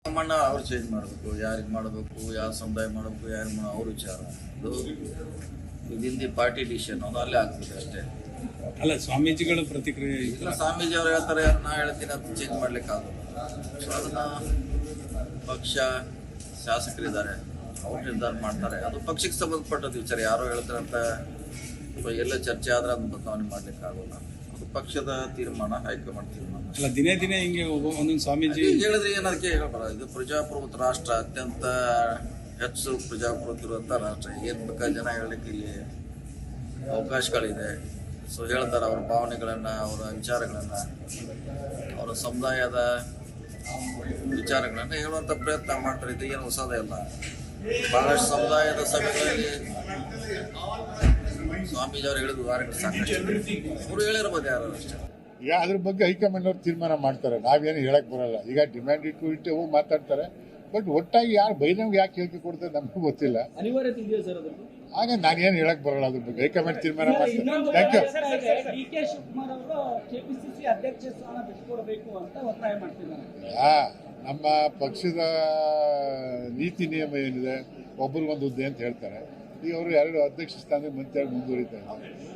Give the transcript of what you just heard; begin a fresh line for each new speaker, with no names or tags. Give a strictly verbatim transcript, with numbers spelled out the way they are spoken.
ನಮ್ಮಣ್ಣ ಅವ್ರು ಚೇಂಜ್ ಮಾಡಬೇಕು, ಯಾರಿಗೆ ಮಾಡಬೇಕು, ಯಾವ ಸಮುದಾಯ ಮಾಡಬೇಕು, ಯಾರಿಗೆ ಮಾಡೋ ಅವ್ರ ವಿಚಾರ. ಅದು ವಿದಿನ್ ಪಾರ್ಟಿ ಡಿಸಿಷನ್, ಅದು ಅಲ್ಲೇ ಆಗ್ತದೆ ಅಷ್ಟೇ.
ಅಲ್ಲ, ಸ್ವಾಮೀಜಿಗಳ ಪ್ರತಿಕ್ರಿಯೆ
ಇಲ್ಲ, ಸ್ವಾಮೀಜಿ ಅವ್ರು ಹೇಳ್ತಾರೆ, ನಾ ಹೇಳ್ತೀನಿ ಅದು ಚೇಂಜ್ ಮಾಡ್ಲಿಕ್ಕೆ ಆಗೋದು. ಸೊ ಅದನ್ನ ಪಕ್ಷ ಶಾಸಕರಿದ್ದಾರೆ, ಅವ್ರು ನಿರ್ಧಾರ ಮಾಡ್ತಾರೆ. ಅದು ಪಕ್ಷಕ್ಕೆ ಸಂಬಂಧಪಟ್ಟದ್ದು ವಿಚಾರ. ಯಾರೋ ಹೇಳ್ತಾರಂತ ಎಲ್ಲ ಚರ್ಚೆ ಆದ್ರೆ ಅದನ್ನ ಬದಲಾವಣೆ ಮಾಡ್ಲಿಕ್ಕೆ ಆಗೋಲ್ಲ. ಅದು ಪಕ್ಷದ ತೀರ್ಮಾನ, ಹೈಕಮಾಂಡ್ ತೀರ್ಮಾನ.
ಅಲ್ಲ, ದಿನೇ ದಿನೇ ಹಿಂಗೆ ಒಂದೊಂದು ಸ್ವಾಮೀಜಿ
ಹೇಳಿದ್ರೆ ಏನದಕ್ಕೆ ಹೇಳಬಾರ. ಇದು ಪ್ರಜಾಪ್ರಭುತ್ವ ರಾಷ್ಟ್ರ, ಅತ್ಯಂತ ಹೆಚ್ಚು ಪ್ರಜಾಪ್ರಭುತ್ವ ಇರುವಂಥ ರಾಷ್ಟ್ರ. ಏನು ಬೇಕಾದ ಜನ ಹೇಳಲಿಕ್ಕೆ ಇಲ್ಲಿ ಅವಕಾಶಗಳಿದೆ. ಸೊ ಹೇಳ್ತಾರೆ ಅವರ ಭಾವನೆಗಳನ್ನು, ಅವರ ವಿಚಾರಗಳನ್ನು, ಅವರ ಸಮುದಾಯದ ವಿಚಾರಗಳನ್ನು ಹೇಳುವಂಥ ಪ್ರಯತ್ನ ಮಾಡ್ತಾರೆ. ಇದು ಏನು ಹೊಸದೇ ಅಲ್ಲ. ಬಹಳಷ್ಟು ಸಮುದಾಯದ ಸಭೆಗಳಲ್ಲಿ ಸ್ವಾಮೀಜಿ ಅವರು ಹೇಳಿದ ಉದಾಹರಣೆಗಳು ಸಾಕಷ್ಟು. ಅವರು ಹೇಳಿರ್ಬೋದು ಯಾರು ಅಷ್ಟೇ.
ಈಗ ಅದ್ರ ಬಗ್ಗೆ ಹೈಕಮಾಂಡ್ ಅವ್ರು ತೀರ್ಮಾನ ಮಾಡ್ತಾರೆ, ನಾವೇನು ಹೇಳಕ್ ಬರಲ್ಲ. ಈಗ ಡಿಮ್ಯಾಂಡ್ ಇಟ್ಟು ಇಟ್ಟು ಹೋಗಿ ಮಾತಾಡ್ತಾರೆ. ಬಟ್ ಒಟ್ಟಾಗಿ ಯಾರು ಬೈನವ್ಗೆ ಯಾಕೆ ಹೇಳಿಕೆ ಕೊಡ್ತಾರೆ ನಮಗೂ ಗೊತ್ತಿಲ್ಲ.
ಅನಿವಾರ್ಯತೆ ಇದೆಯಾ ಸರ್ ಅದು?
ಆಗ ನಾನೇನು ಹೇಳಕ್ ಬರಲ್ಲ ಅದ್ರ ಬಗ್ಗೆ. ಹೈಕಮಾಂಡ್ ತೀರ್ಮಾನ ಮಾಡ್ತಾರೆ. Thank you.
D K Shivakumar ಅವರು ಕೆಪಿಸಿಸಿ ಅಧ್ಯಕ್ಷ ಸ್ಥಾನ ಬಿಟ್ಟುಕೊಡಬೇಕು ಅಂತ ಒತ್ತಾಯ ಮಾಡ್ತಿದ್ದಾರೆ.
ಆ, ನಮ್ಮ ಪಕ್ಷದ ನೀತಿ ನಿಯಮ ಏನಿದೆ, ಒಬ್ರಿಗೊಂದು ಹುದ್ದೆ ಅಂತ ಹೇಳ್ತಾರೆ. ಈಗ ಅವರು ಎರಡು ಅಧ್ಯಕ್ಷ ಸ್ಥಾನಕ್ಕೆ ಮಂತ್ರಿ ಮುಂದುವರಿತಾ ಇದ್ದಾರೆ.